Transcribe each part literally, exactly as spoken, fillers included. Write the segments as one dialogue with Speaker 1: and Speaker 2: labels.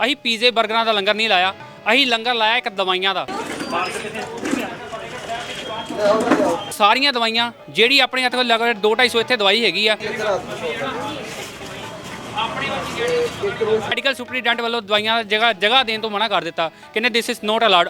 Speaker 1: ਅਸੀਂ ਪੀਜ਼ੇ ਬਰਗਰਾਂ ਦਾ ਲੰਗਰ ਨਹੀਂ ਲਾਇਆ, ਅਸੀਂ ਲੰਗਰ ਲਾਇਆ ਇੱਕ ਦਵਾਈਆਂ ਦਾ। ਸਾਰੀਆਂ ਦਵਾਈਆਂ ਜਿਹੜੀ ਆਪਣੇ ਹੱਥ ਕੋਲ ਲਗਭਗ ਦੋ ਢਾਈ ਸੌ ਇੱਥੇ ਦਵਾਈ ਹੈਗੀ ਆ। ਮੈਡੀਕਲ ਸੁਪਰੀਡੈਂਟ ਵੱਲੋਂ ਦਵਾਈਆਂ ਜਗ੍ਹਾ ਜਗ੍ਹਾ ਦੇਣ ਤੋਂ ਮਨਾ ਕਰ ਦਿੱਤਾ, ਕਹਿੰਦੇ ਦਿਸ ਇਜ਼ ਨੋਟ ਅਲਾਉਡ।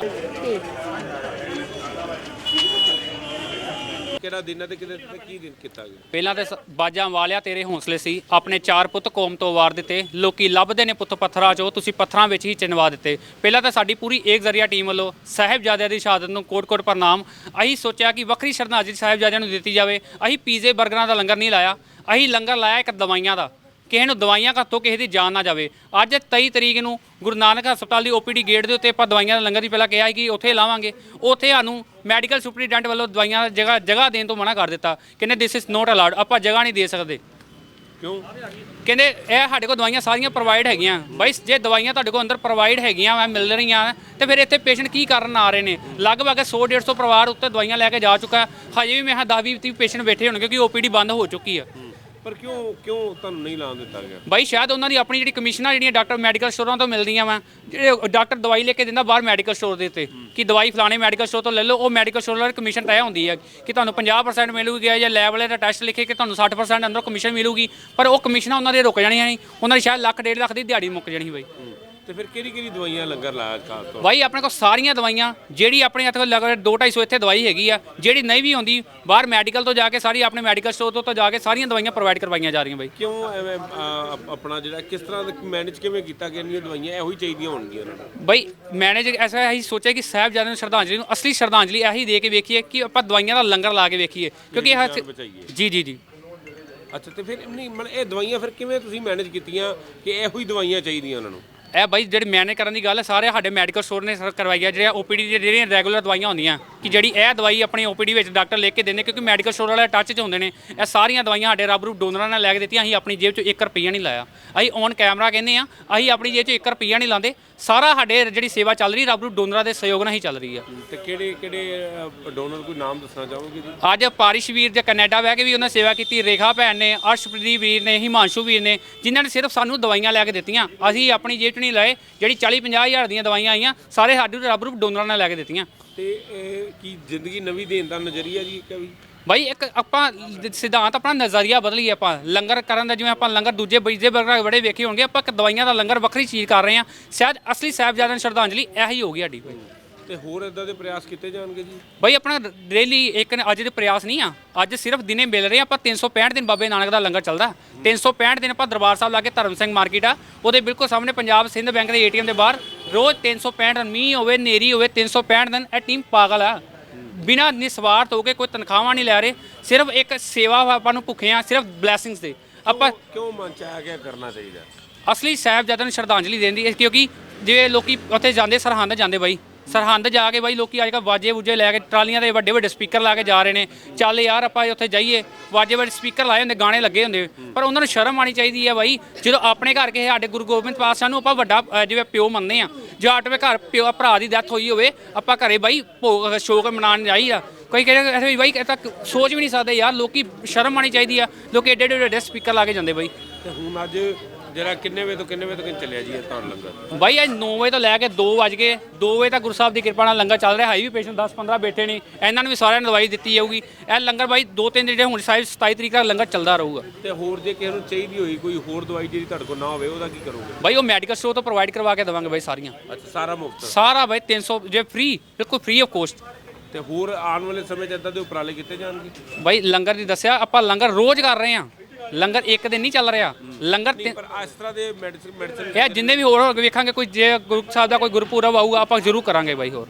Speaker 2: ਕਿਹੜਾ ਦਿਨ ਹੈ ਤੇ ਕਿਹਦੇ ਤੇ ਕੀ ਦਿਨ ਕੀਤਾ ਗਿਆ?
Speaker 1: ਪਹਿਲਾਂ ਤੇ ਬਾਜਾਂ ਵਾਲਿਆ ਤੇਰੇ ਹੌਸਲੇ ਸੀ, ਆਪਣੇ ਚਾਰ ਪੁੱਤ ਕੌਮ ਤੋਂ ਵਾਰ ਦਿੱਤੇ, ਲੋਕੀ ਲੱਭਦੇ ਨੇ ਪੁੱਤ ਪੱਥਰਾਂ 'ਚੋਂ, ਤੁਸੀਂ ਪੱਥਰਾਂ ਵਿੱਚ ਹੀ ਚਿਣਵਾ ਦਿੱਤੇ। ਪਹਿਲਾਂ ਤਾਂ ਸਾਡੀ ਪੂਰੀ ਏਕ ਜ਼ਰੀਆ ਟੀਮ ਵੱਲੋਂ ਸਾਹਿਬਜ਼ਾਦਿਆਂ ਦੀ ਸ਼ਹਾਦਤ ਨੂੰ ਕੋਟ-ਕੋਟ ਪ੍ਰਣਾਮ। ਅਸੀਂ ਸੋਚਿਆ ਕਿ ਵੱਖਰੀ ਸ਼ਰਧਾਂਜਲੀ ਸਾਹਿਬਜ਼ਾਦਿਆਂ ਨੂੰ ਦਿੱਤੀ ਜਾਵੇ। ਅਸੀਂ ਪੀਜ਼ੇ ਬਰਗਰਾਂ ਦਾ ਲੰਗਰ ਨਹੀਂ ਲਾਇਆ, ਅਸੀਂ ਲੰਗਰ ਲਾਇਆ ਇੱਕ ਦਵਾਈਆਂ ਦਾ। ਕਿਸੇ ਨੂੰ ਦਵਾਈਆਂ ਘੱਟੋ ਕਿਸੇ ਦੀ ਜਾਨ ਨਾ ਜਾਵੇ। ਅੱਜ ਤੇਈ ਤਰੀਕ ਨੂੰ ਗੁਰੂ ਨਾਨਕ ਹਸਪਤਾਲ ਦੀ ਓ ਪੀ ਡੀ ਗੇਟ ਦੇ ਉੱਤੇ ਆਪਾਂ ਦਵਾਈਆਂ ਦਾ ਲੰਗਰ ਦੀ ਪਹਿਲਾਂ ਕਿਹਾ ਸੀ ਕਿ ਉੱਥੇ ਲਾਵਾਂਗੇ, ਉੱਥੇ ਸਾਨੂੰ ਮੈਡੀਕਲ ਸੁਪਰੀਡੈਂਟ ਵੱਲੋਂ ਦਵਾਈਆਂ ਜਗ੍ਹਾ ਜਗ੍ਹਾ ਦੇਣ ਤੋਂ ਮਨਾ ਕਰ ਦਿੱਤਾ, ਕਹਿੰਦੇ ਦਿਸ ਇਜ਼ ਨੋਟ ਅਲਾਉਡ, ਆਪਾਂ ਜਗ੍ਹਾ ਨਹੀਂ ਦੇ ਸਕਦੇ।
Speaker 2: ਕਿਉਂ?
Speaker 1: ਕਹਿੰਦੇ ਇਹ ਸਾਡੇ ਕੋਲ ਦਵਾਈਆਂ ਸਾਰੀਆਂ ਪ੍ਰੋਵਾਈਡ ਹੈਗੀਆਂ। ਬਾਈ ਜੇ ਦਵਾਈਆਂ ਤੁਹਾਡੇ ਕੋਲ ਅੰਦਰ ਪ੍ਰੋਵਾਈਡ ਹੈਗੀਆਂ ਵਾ ਮਿਲ ਰਹੀਆਂ ਤੇ ਫਿਰ ਇੱਥੇ ਪੇਸ਼ੈਂਟ ਕੀ ਕਰਨ ਆ ਰਹੇ ਨੇ? ਲਗਭਗ ਸੌ ਡੇਢ ਸੌ ਪਰਿਵਾਰ ਉੱਤੇ ਦਵਾਈਆਂ ਲੈ ਕੇ ਜਾ ਚੁੱਕਾ, ਹਜੇ ਵੀ ਮੈਂ ਦਸ ਵੀਹ ਤੀਹ ਪੇਸ਼ੈਂਟ ਬੈਠੇ ਹੋਣਗੇ ਕਿਉਂਕਿ ਓ ਪੀ ਡੀ ਬੰਦ ਹੋ ਚੁੱਕੀ ਆ।
Speaker 2: ਪਰ ਕਿਉਂ ਕਿਉਂ ਤੁਹਾਨੂੰ ਨਹੀਂ ਲਾਉਣ ਦਿੱਤਾ ਗਿਆ?
Speaker 1: ਬਾਈ ਸ਼ਾਇਦ ਉਹਨਾਂ ਦੀ ਆਪਣੀ ਜਿਹੜੀ ਕਮਿਸ਼ਨਾਂ ਜਿਹੜੀਆਂ ਡਾਕਟਰ ਮੈਡੀਕਲ ਸਟੋਰਾਂ ਤੋਂ ਮਿਲਦੀਆਂ ਵਾ, ਜਿਹੜੇ ਡਾਕਟਰ ਦਵਾਈ ਲੈ ਕੇ ਦਿੰਦਾ ਬਾਹਰ ਮੈਡੀਕਲ ਸਟੋਰ ਦੇ ਉੱਤੇ ਕਿ ਦਵਾਈ ਫਲਾਣੇ ਮੈਡੀਕਲ ਸਟੋਰ ਤੋਂ ਲੈ ਲਓ, ਉਹ ਮੈਡੀਕਲ ਸਟੋਰ ਵਾਲੀ ਕਮਿਸ਼ਨ ਤੈਅ ਹੁੰਦੀ ਹੈ ਕਿ ਤੁਹਾਨੂੰ ਪੰਜਾਹ ਪਰਸੈਂਟ ਮਿਲੂਗੀ ਜਾਂ ਲੈਬ ਵਾਲੇ ਦਾ ਟੈਸਟ ਲਿਖੇ ਕਿ ਤੁਹਾਨੂੰ ਸੱਠ ਪਰਸੈਂਟ ਅੰਦਰੋਂ ਕਮਿਸ਼ਨ ਮਿਲੂਗੀ, ਪਰ ਉਹ ਕਮਿਸ਼ਨਾਂ ਉਹਨਾਂ ਦੇ ਰੁਕ ਜਾਣੀਆਂ ਨਹੀਂ, ਉਹਨਾਂ ਦੀ ਸ਼ਾਇਦ ਲੱਖ ਡੇਢ ਲੱਖ ਦੀ ਦਿਹਾੜੀ ਮੁੱਕ ਜਾਣੀ ਬਾਈ।
Speaker 2: ਤੇ ਫਿਰ ਕਿਹੜੀ ਕਿਹੜੀ ਦਵਾਈਆਂ ਲੰਗਰ ਲਾਇਆ ਖਾਸ ਤੌਰ?
Speaker 1: ਬਾਈ ਆਪਣੇ ਕੋਲ ਸਾਰੀਆਂ ਦਵਾਈਆਂ ਜਿਹੜੀ ਆਪਣੇ ਹੱਥ ਕੋਲ ਲਗਭਗ ਦੋ ਢਾਈ ਸੌ ਇੱਥੇ ਦਵਾਈ ਹੈਗੀ ਆ, ਜਿਹੜੀ ਨਹੀਂ ਵੀ ਹੁੰਦੀ ਬਾਹਰ ਮੈਡੀਕਲ ਤੋਂ ਜਾ ਕੇ ਸਾਰੀ ਆਪਣੇ ਮੈਡੀਕਲ ਸਟੋਰ ਤੋਂ ਜਾ ਕੇ ਸਾਰੀਆਂ ਦਵਾਈਆਂ ਪ੍ਰੋਵਾਈਡ ਕਰਵਾਈਆਂ ਜਾ ਰਹੀਆਂ ਬਾਈ।
Speaker 2: ਕਿਉਂ ਐਵੇਂ ਆਪਣਾ ਜਿਹੜਾ ਕਿਸ ਤਰ੍ਹਾਂ ਮੈਨੇਜ ਕਿਵੇਂ ਕੀਤਾ ਕਿ ਇੰਨੀਆਂ ਦਵਾਈਆਂ ਇਹੋ ਹੀ ਚਾਹੀਦੀਆਂ ਹੋਣਗੀਆਂ ਉਹਨਾਂ ਨੂੰ?
Speaker 1: ਬਾਈ ਮੈਨੇਜ ਐਸਾ ਅਸੀਂ ਸੋਚਿਆ ਕਿ ਸਾਹਿਬਜ਼ਾਦਿਆਂ ਨੂੰ ਸ਼ਰਧਾਂਜਲੀ ਨੂੰ ਅਸਲੀ ਸ਼ਰਧਾਂਜਲੀ ਇਹੀ ਦੇ ਕੇ ਵੇਖੀਏ ਕਿ ਆਪਾਂ ਦਵਾਈਆਂ ਦਾ ਲੰਗਰ ਲਾ ਕੇ ਵੇਖੀਏ, ਕਿਉਂਕਿ ਇਹ ਜੀ ਜੀ ਜੀ
Speaker 2: ਅੱਛਾ। ਤੇ ਫਿਰ ਨਹੀਂ ਮਤਲਬ ਇਹ ਦਵਾਈਆਂ ਫਿਰ ਕਿਵੇਂ ਤੁਸੀਂ ਮੈਨੇਜ ਕੀਤੀਆਂ ਕਿ ਇਹੋ ਹੀ ਦਵਾਈਆਂ ਚਾਹੀਦੀਆਂ ਉਹਨਾਂ ਨੂੰ?
Speaker 1: ਇਹ ਬਾਈ ਜਿਹੜੀ ਮੈਨੇਜ ਕਰਨ ਦੀ ਗੱਲ ਹੈ ਸਾਰੇ ਸਾਡੇ ਮੈਡੀਕਲ ਸਟੋਰ ਨੇ ਕਰਵਾਈ ਹੈ, ਜਿਹੜੀਆਂ ਓ ਪੀ ਡੀ ਜਿਹੜੀਆਂ ਰੈਗੂਲਰ ਦਵਾਈਆਂ ਹੁੰਦੀਆਂ ਕਿ ਜਿਹੜੀ ਇਹ ਦਵਾਈ ਆਪਣੀ ਓ ਪੀ ਡੀ ਵਿੱਚ ਡਾਕਟਰ ਲਿਖ ਕੇ ਦਿੰਦੇ, ਕਿਉਂਕਿ ਮੈਡੀਕਲ ਸਟੋਰ ਵਾਲੇ ਟੱਚ 'ਚ ਹੁੰਦੇ ਨੇ। ਇਹ ਸਾਰੀਆਂ ਦਵਾਈਆਂ ਸਾਡੇ ਰੱਬ ਰੂਪ ਡੋਨਰਾਂ ਨੇ ਲੈ ਕੇ ਦਿੱਤੀਆਂ, ਅਸੀਂ ਆਪਣੀ ਜੇਬ 'ਚੋਂ ਇੱਕ ਰੁਪਈਆ ਨਹੀਂ ਲਾਇਆ। ਅਸੀਂ ਔਨ ਕੈਮਰਾ ਕਹਿੰਦੇ ਆ, ਅਸੀਂ ਆਪਣੀ ਜੇਬ 'ਚੋਂ ਇੱਕ ਰੁਪਈਆ ਨਹੀਂ ਲਾਉਂਦੇ, ਸਾਰਾ ਸਾਡੇ ਜਿਹੜੀ ਸੇਵਾ ਚੱਲ ਰਹੀ ਰੱਬ ਰੂਪ ਡੋਨਰਾਂ ਦੇ ਸਹਿਯੋਗ ਨਾਲ ਹੀ ਚੱਲ ਰਹੀ ਆ।
Speaker 2: ਤੇ ਕਿਹੜੇ ਕਿਹੜੇ ਡੋਨਰ ਕੋਈ ਨਾਮ ਦੱਸਣਾ ਚਾਹੋਗੇ ਜੀ?
Speaker 1: ਅੱਜ ਪਾਰਿਸ਼ ਵੀਰ ਜਾਂ ਕੈਨੇਡਾ ਬਹਿ ਕੇ ਵੀ ਉਹਨਾਂ ਸੇਵਾ ਕੀਤੀ, ਰੇਖਾ ਭੈਣ ਨੇ, ਅਰਸ਼ਪ੍ਰੀਤ ਵੀਰ ਨੇ, ਹਿਮਾਂਸ਼ੂ ਵੀਰ ਨੇ, ਜਿਨ੍ਹਾਂ ਨੇ ਸਿਰਫ ਸਾਨੂੰ ਦਵਾਈਆਂ ਲੈ ਕੇ ਦਿੱਤੀਆਂ, ਅਸੀਂ ਆਪਣੀ ਜੇਬ 'ਚ ਨਹੀਂ ਲਾਏ। ਜਿਹੜੀ ਚਾਲੀ ਪੰਜਾਹ ਹਜ਼ਾਰ ਦੀਆਂ ਦਵਾਈਆਂ ਆਈਆਂ ਸਾਰੇ ਸਾਡੇ ਰੱਬ ਰੂਪ ਡੋਨਰਾਂ ਨੇ ਲੈ ਕੇ ਦਿੱਤੀਆਂ।
Speaker 2: ਤੇ ਇਹ ਕੀ ਜ਼ਿੰਦਗੀ ਨਵੀਂ ਦੇਣ ਦਾ ਨਜ਼ਰੀਆ ਜੀ ਕਵੀ?
Speaker 1: ਬਾਈ ਇੱਕ ਆਪਾਂ ਸਿਧਾਂਤ ਆਪਣਾ ਨਜ਼ਰੀਆ ਬਦਲੀਏ। ਆਪਾਂ ਲੰਗਰ ਕਰਨ ਦਾ ਜਿਵੇਂ ਆਪਾਂ ਲੰਗਰ ਦੂਜੇ ਬੀਜੇ ਬਰਗਰ ਬੜੇ ਵੇਖੇ ਹੋਣਗੇ, ਆਪਾਂ ਇੱਕ ਦਵਾਈਆਂ ਦਾ ਲੰਗਰ ਵੱਖਰੀ ਚੀਜ਼ ਕਰ ਰਹੇ ਹਾਂ। ਸ਼ਾਇਦ ਅਸਲੀ ਸਾਹਿਬਜ਼ਾਦਿਆਂ ਨੂੰ ਸ਼ਰਧਾਂਜਲੀ ਇਹੀ ਹੋਗੀ ਸਾਡੀ।
Speaker 2: ਤੇ ਹੋਰ ਇਦਾਂ ਦੇ ਪ੍ਰਯਾਸ ਕੀਤੇ ਜਾਣਗੇ ਜੀ?
Speaker 1: ਬਾਈ ਆਪਣਾ ਡੇਲੀ ਇੱਕ ਅੱਜ ਦੇ ਪ੍ਰਯਾਸ ਨਹੀਂ ਆ, ਅੱਜ ਸਿਰਫ ਦਿਨੇ ਮਿਲ ਰਹੇ ਆਪਾਂ। ਤਿੰਨ ਸੌ ਪੈਂਹਠ ਦਿਨ ਬਾਬੇ ਨਾਨਕ ਦਾ ਲੰਗਰ ਚੱਲਦਾ, ਤਿੰਨ ਸੌ ਪੈਂਹਠ ਦਿਨ ਆਪਾਂ ਦਰਬਾਰ ਸਾਹਿਬ ਲਾ ਕੇ ਧਰਮ ਸਿੰਘ ਮਾਰਕੀਟ ਆ ਉਹਦੇ ਬਿਲਕੁਲ ਸਾਹਮਣੇ ਪੰਜਾਬ ਸਿੰਧ ਬੈਂਕ ਦੇ ਏ ਟੀ ਐਮ ਦੇ ਬਾਹਰ ਰੋਜ਼ ਤਿੰਨ ਸੌ ਪੈਂਹਠ ਦਿਨ, ਮੀਂਹ ਹੋਵੇ ਨੇਰੀ ਹੋਵੇ, ਤਿੰਨ ਸੌ ਪੈਂਹਠ ਦਿਨ ਇਹ ਟੀਮ ਪਾਗਲ ਆ। ਬਿਨਾਂ ਨਿਸਵਾਰਥ ਹੋ ਕੇ ਕੋਈ ਤਨਖਾਹਾਂ ਨਹੀਂ ਲੈ ਰਹੇ, ਸਿਰਫ ਇੱਕ ਸੇਵਾ ਆਪਾਂ ਨੂੰ ਭੁੱਖੇ ਆ, ਸਿਰਫ ਬਲੈਸਿੰਗਸ ਦੇ। ਆਪਾਂ
Speaker 2: ਕਿਉਂ ਮਨ ਚ ਆ ਗਿਆ ਕਰਨਾ ਚਾਹੀਦਾ?
Speaker 1: ਅਸਲੀ ਸਾਹਿਬਜ਼ਾਦਿਆਂ ਨੂੰ ਸ਼ਰਧਾਂਜਲੀ ਦੇਣ ਦੀ, ਕਿਉਂਕਿ ਜਿਵੇਂ ਲੋਕੀ ਉੱਥੇ ਜਾਂਦੇ ਸਰਹੰਦ ਜਾਂਦੇ ਬਾਈ, ਸਰਹੰਦ ਜਾ ਕੇ ਬਾਈ ਲੋਕੀ ਅੱਜ ਕੱਲ੍ਹ ਵਾਜੇ ਵੂਜੇ ਲੈ ਕੇ ਟਰਾਲੀਆਂ ਦੇ ਵੱਡੇ ਵੱਡੇ ਸਪੀਕਰ ਲਾ ਕੇ ਜਾ ਰਹੇ ਨੇ। ਚੱਲ ਯਾਰ ਆਪਾਂ ਉੱਥੇ ਜਾਈਏ, ਵਾਜੇ ਵੱਡੇ ਸਪੀਕਰ ਲਾਏ ਹੁੰਦੇ, ਗਾਣੇ ਲੱਗੇ ਹੁੰਦੇ, ਪਰ ਉਹਨਾਂ ਨੂੰ ਸ਼ਰਮ ਆਉਣੀ ਚਾਹੀਦੀ ਹੈ ਬਾਈ। ਜਦੋਂ ਆਪਣੇ ਘਰ ਕਿਸੇ ਸਾਡੇ ਗੁਰੂ ਗੋਬਿੰਦ ਪਾਤਸ਼ਾਹ ਨੂੰ ਆਪਾਂ ਵੱਡਾ ਜਿਵੇਂ ਪਿਓ ਮੰਨਦੇ ਆ, ਜਾਂ ਆਟਵੇਂ ਘਰ ਪਿਓ ਭਰਾ ਦੀ ਡੈਥ ਹੋਈ ਹੋਵੇ, ਆਪਾਂ ਘਰੇ ਬਾਈ ਭੋਗ ਸ਼ੋਕ ਮਨਾਉਣ ਜਾਈਦਾ। ਕੋਈ ਕਹਿੰਦੇ ਬਾਈ ਇਹ ਤਾਂ ਸੋਚ ਵੀ ਨਹੀਂ ਸਕਦੇ ਯਾਰ, ਲੋਕੀ ਸ਼ਰਮ ਆਉਣੀ ਚਾਹੀਦੀ ਆ। ਲੋਕੀ ਏਡੇ ਏਡੇ ਵੱਡੇ ਸਪੀਕਰ ਲਾ ਕੇ ਜਾਂਦੇ ਬਾਈ।
Speaker 2: ਤੇ ਹੁਣ ਅੱਜ ਜਿਹੜਾ ਕਿੰਨੇ ਵਜੇ ਤੋਂ ਕਿੰਨੇ ਵਜੇ ਤੱਕ ਚੱਲਿਆ ਜੀ ਇਹ ਤੁਹਾਨੂੰ ਲੰਗਰ?
Speaker 1: ਬਾਈ ਅੱਜ ਨੌ ਵਜੇ ਤੋਂ ਲੈ ਕੇ ਦੋ ਵੱਜ ਗਏ, ਦੋ ਵਜੇ ਤੱਕ ਗੁਰੂ ਸਾਹਿਬ ਦੀ ਕਿਰਪਾ ਨਾਲ ਲੰਗਰ ਚੱਲ ਰਿਹਾ। ਹੈ ਵੀ ਪੇਸ਼ੈਂਟ ਦਸ ਪੰਦਰਾਂ ਬੈਠੇ ਨੇ, ਇਹਨਾਂ ਨੂੰ ਵੀ ਸਾਰਿਆਂ ਨੂੰ ਦਵਾਈ ਦਿੱਤੀ ਜਾਊਗੀ। ਇਹ ਲੰਗਰ ਬਾਈ ਦੋ ਤਿੰਨ ਜਿਹੜੇ ਹੁਣ ਸਾਹਿਬ ਸਤਾਈ ਤਰੀਕ ਤੱਕ ਲੰਗਰ ਚੱਲਦਾ ਰਹੂਗਾ।
Speaker 2: ਤੇ ਹੋਰ ਜੇ ਕਿਸੇ ਨੂੰ ਚਾਹੀਦੀ ਹੋਈ ਕੋਈ ਹੋਰ ਦਵਾਈ ਜਿਹੜੀ ਤੁਹਾਡੇ ਕੋਲ ਨਾ ਹੋਵੇ ਉਹਦਾ ਕੀ ਕਰੋਗੇ?
Speaker 1: ਬਾਈ ਉਹ ਮੈਡੀਕਲ ਸਟੋਰ ਤੋਂ ਪ੍ਰੋਵਾਈਡ ਕਰਵਾ ਕੇ ਦੇਵਾਂਗੇ ਬਾਈ ਸਾਰੀਆਂ।
Speaker 2: ਅੱਛਾ, ਸਾਰਾ ਮੁਫਤ? ਸਾਰਾ
Speaker 1: ਬਾਈ ਤਿੰਨ ਸੌ ਜੇ ਫ੍ਰੀ, ਬਿਲਕੁਲ ਫ੍ਰੀ ਆਫ ਕੋਸਟ।
Speaker 2: ਤੇ ਹੋਰ ਆਉਣ ਵਾਲੇ ਸਮੇਂ 'ਚ ਇੱਦਾਂ ਦੇ ਉਪਰਾਲੇ ਕੀਤੇ ਜਾਣਗੇ?
Speaker 1: ਬਾਈ ਲੰਗਰ ਦੀ ਦੱਸਿਆ ਆਪਾਂ ਲੰਗਰ ਰੋਜ਼ ਕਰ ਰਹੇ ਹਾਂ, ਲੰਗਰ ਇੱਕ ਦਿਨ ਨਹੀਂ ਚੱਲ ਰਿਹਾ ਲੰਗਰ।
Speaker 2: ਪਰ ਇਸ ਤਰ੍ਹਾਂ ਦੇ ਮੈਡੀਸਿਨ ਮੈਡੀਸਿਨ
Speaker 1: ਇਹ ਜਿੰਨੇ ਵੀ ਹੋਰ ਵੇਖਾਂਗੇ, ਕੋਈ ਜੇ ਗੁਰੂ ਸਾਹਿਬ ਦਾ ਕੋਈ ਗੁਰਪੁਰਬ ਆਊਗਾ ਆਪਾਂ ਜ਼ਰੂਰ ਕਰਾਂਗੇ ਬਾਈ। ਹੋਰ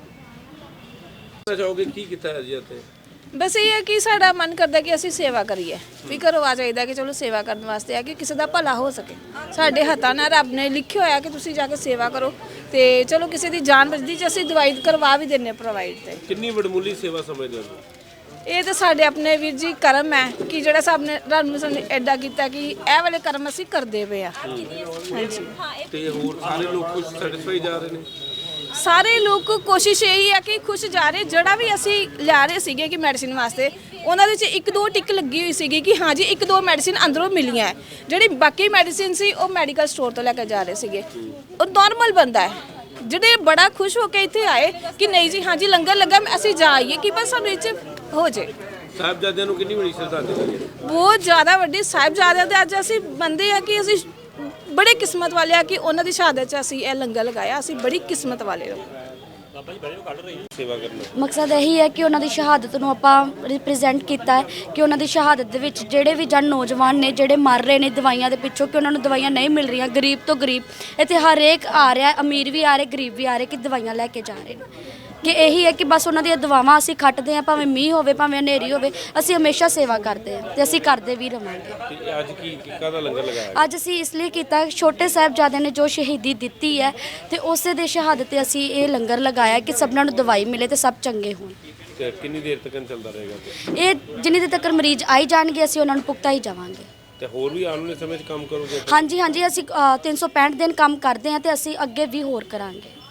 Speaker 2: ਠੀਕ ਚਾਹੋਗੇ ਕੀ ਕੀਤਾ ਹੈ ਜੀ ਇੱਥੇ?
Speaker 3: ਬਸ ਇਹ ਹੈ ਕਿ ਸਾਡਾ ਮਨ ਕਰਦਾ ਕਿ ਅਸੀਂ ਸੇਵਾ ਕਰੀਏ, ਵੀ ਘਰੋਂ ਆ ਚਾਹੀਦਾ ਕਿ ਚਲੋ ਸੇਵਾ ਕਰਨ ਵਾਸਤੇ ਆ ਕਿ ਕਿਸੇ ਦਾ ਭਲਾ ਹੋ ਸਕੇ। ਸਾਡੇ ਹੱਥਾਂ ਨਾਲ ਰੱਬ ਨੇ ਲਿਖਿਆ ਹੋਇਆ ਕਿ ਤੁਸੀਂ ਜਾ ਕੇ ਸੇਵਾ ਕਰੋ, ਤੇ ਚਲੋ ਕਿਸੇ ਦੀ ਜਾਨ ਬਚਦੀ ਜੇ ਅਸੀਂ ਦਵਾਈ ਕਰਵਾ ਵੀ ਦਿੰਨੇ ਪ੍ਰੋਵਾਈਡ। ਤੇ
Speaker 2: ਕਿੰਨੀ ਵਡਮੁੱਲੀ ਸੇਵਾ ਸਮਝਦੇ ਹੋ?
Speaker 3: ਇਹ ਤਾਂ ਸਾਡੇ ਆਪਣੇ ਵੀਰ ਜੀ ਕਰਮ ਹੈ ਕਿ ਜਿਹੜਾ ਸਭ ਨੇ ਰੱਬ ਨੇ ਸਾਨੂੰ ਐਡਾ ਕੀਤਾ ਕਿ ਇਹ ਵਾਲੇ ਕਰਮ ਅਸੀਂ ਕਰਦੇ ਪਏ ਆ। ਹਾਂਜੀ।
Speaker 2: ਤੇ ਹੋਰ ਸਾਰੇ ਲੋਕ ਕੁਝ ਸੈਟੀਸਫਾਈ ਜਾ ਰਹੇ ਨੇ?
Speaker 3: ਸਾਰੇ ਲੋਕ ਕੋਸ਼ਿਸ਼ ਇਹੀ ਹੈ ਕਿ ਖੁਸ਼ ਜਾ ਰਹੇ। ਜਿਹੜਾ ਵੀ ਅਸੀਂ ਲਿਆ ਰਹੇ ਸੀਗੇ ਕਿ ਮੈਡੀਸਿਨ ਵਾਸਤੇ ਉਹਨਾਂ ਦੇ 'ਚ ਇੱਕ ਦੋ ਟਿਕ ਲੱਗੀ ਹੋਈ ਸੀਗੀ ਕਿ ਹਾਂਜੀ ਇੱਕ ਦੋ ਮੈਡੀਸਿਨ ਅੰਦਰੋਂ ਮਿਲੀਆਂ ਹੈ। ਜਿਹੜੀ ਬਾਕੀ ਮੈਡੀਸਿਨ ਸੀ ਉਹ ਮੈਡੀਕਲ ਸਟੋਰ ਤੋਂ ਲੈ ਕੇ ਜਾ ਰਹੇ ਸੀਗੇ। ਉਹ ਨਾਰਮਲ ਬੰਦਾ ਹੈ ਜਿਹੜੇ ਬੜਾ ਖੁਸ਼ ਹੋ ਕੇ ਇੱਥੇ ਆਏ ਕਿ ਨਹੀਂ ਜੀ ਹਾਂਜੀ ਲੰਗਰ ਲੱਗਾ ਅਸੀਂ ਜਾ ਆਈਏ ਕਿ ਬਸ ਸਾਨੂੰ ਇਹ 'ਚ ਹੋ ਜੇ।
Speaker 2: ਸਾਹਿਬਜ਼ਾਦਿਆਂ ਨੂੰ ਕਿੰਨੀ ਬੜੀ ਸ਼ਰਧਾਂਜਲੀ ਹੈ।
Speaker 3: ਬਹੁਤ ਜ਼ਿਆਦਾ ਵੱਡੀ ਸਾਹਿਬਜ਼ਾਦਿਆਂ ਦੇ ਅੱਜ ਅਸੀਂ ਬੰਦੇ ਆ ਕਿ ਅਸੀਂ ਬੜੇ ਕਿਸਮਤ ਵਾਲੇ ਆ ਕਿ ਉਹਨਾਂ ਦੀ ਸ਼ਹਾਦਤ 'ਚ ਅਸੀਂ ਇਹ ਲੰਗਰ ਲਗਾਇਆ। ਅਸੀਂ ਬੜੀ ਕਿਸਮਤ ਵਾਲੇ ਲੋਕ।
Speaker 2: ਸੇਵਾ ਕਰਨਾ
Speaker 4: ਮਕਸਦ ਇਹੀ ਹੈ ਕਿ ਉਹਨਾਂ ਦੀ ਸ਼ਹਾਦਤ ਨੂੰ ਆਪਾਂ ਰਿਪਰੈਜ਼ੈਂਟ ਕੀਤਾ ਹੈ ਕਿ ਉਹਨਾਂ ਦੀ ਸ਼ਹਾਦਤ ਦੇ ਵਿੱਚ ਜਿਹੜੇ ਵੀ ਜਨ ਨੌਜਵਾਨ ਨੇ ਜਿਹੜੇ ਮਰ ਰਹੇ ਨੇ ਦਵਾਈਆਂ ਦੇ ਪਿੱਛੋਂ ਕਿ ਉਹਨਾਂ ਨੂੰ ਦਵਾਈਆਂ ਨਹੀਂ ਮਿਲ ਰਹੀਆਂ, ਗਰੀਬ ਤੋਂ ਗਰੀਬ ਇੱਥੇ ਹਰੇਕ ਆ ਰਿਹਾ, ਅਮੀਰ ਵੀ ਆ ਰਹੇ, ਗਰੀਬ ਵੀ ਆ ਰਹੇ ਕਿ ਦਵਾਈਆਂ ਲੈ ਕੇ ਜਾ ਰਹੇ ਨੇ। ਕਿ ਇਹੀ ਹੈ ਕਿ ਬਸ ਉਹਨਾਂ ਦੀਆਂ ਦੁਆਵਾਂ ਅਸੀਂ ਖੱਟਦੇ ਹਾਂ, ਭਾਵੇਂ ਮੀਂਹ ਹੋਵੇ ਭਾਵੇਂ ਹਨੇਰੀ ਹੋਵੇ, ਅਸੀਂ ਹਮੇਸ਼ਾ ਸੇਵਾ ਕਰਦੇ ਹਾਂ ਤੇ ਅਸੀਂ ਕਰਦੇ ਵੀ ਰਵਾਂਗੇ।
Speaker 2: ਤੇ ਅੱਜ ਕੀ ਕਾਹਦਾ ਲੰਗਰ ਲਗਾਇਆ?
Speaker 4: ਅੱਜ ਅਸੀਂ ਇਸ ਲਈ ਕੀਤਾ ਛੋਟੇ ਸਾਹਿਬਜ਼ਾਦਿਆਂ ਨੇ ਜੋ ਸ਼ਹੀਦੀ ਦਿੱਤੀ ਹੈ ਤੇ ਉਸੇ ਦੇ ਸ਼ਹਾਦਤ ਤੇ ਅਸੀਂ ਇਹ ਲੰਗਰ ਲਗਾਇਆ ਕਿ ਸਭਨਾਂ ਨੂੰ ਦਵਾਈ ਮਿਲੇ ਤੇ ਸਭ ਚੰਗੇ ਹੋਣ।
Speaker 2: ਤੇ ਕਿੰਨੀ ਦੇਰ ਤੱਕ ਚੱਲਦਾ ਰਹੇਗਾ?
Speaker 4: ਇਹ ਜਿੰਨੀ ਦੇਰ ਤੱਕ ਮਰੀਜ਼ ਆਈ ਜਾਣਗੇ ਅਸੀਂ ਉਹਨਾਂ ਨੂੰ ਪੁਖਤਾ ਹੀ ਜਾਵਾਂਗੇ।
Speaker 2: ਤੇ ਹੋਰ ਵੀ ਆਉਣ ਵਾਲੇ ਸਮੇਂ 'ਚ ਕੰਮ ਕਰੋਗੇ?
Speaker 4: ਹਾਂਜੀ ਹਾਂਜੀ ਅਸੀਂ ਤਿੰਨ ਸੌ ਪੈਂਹਠ ਦਿਨ ਕੰਮ ਕਰਦੇ ਹਾਂ ਤੇ ਅਸੀਂ ਅੱਗੇ ਵੀ ਹੋਰ ਕਰਾਂਗੇ।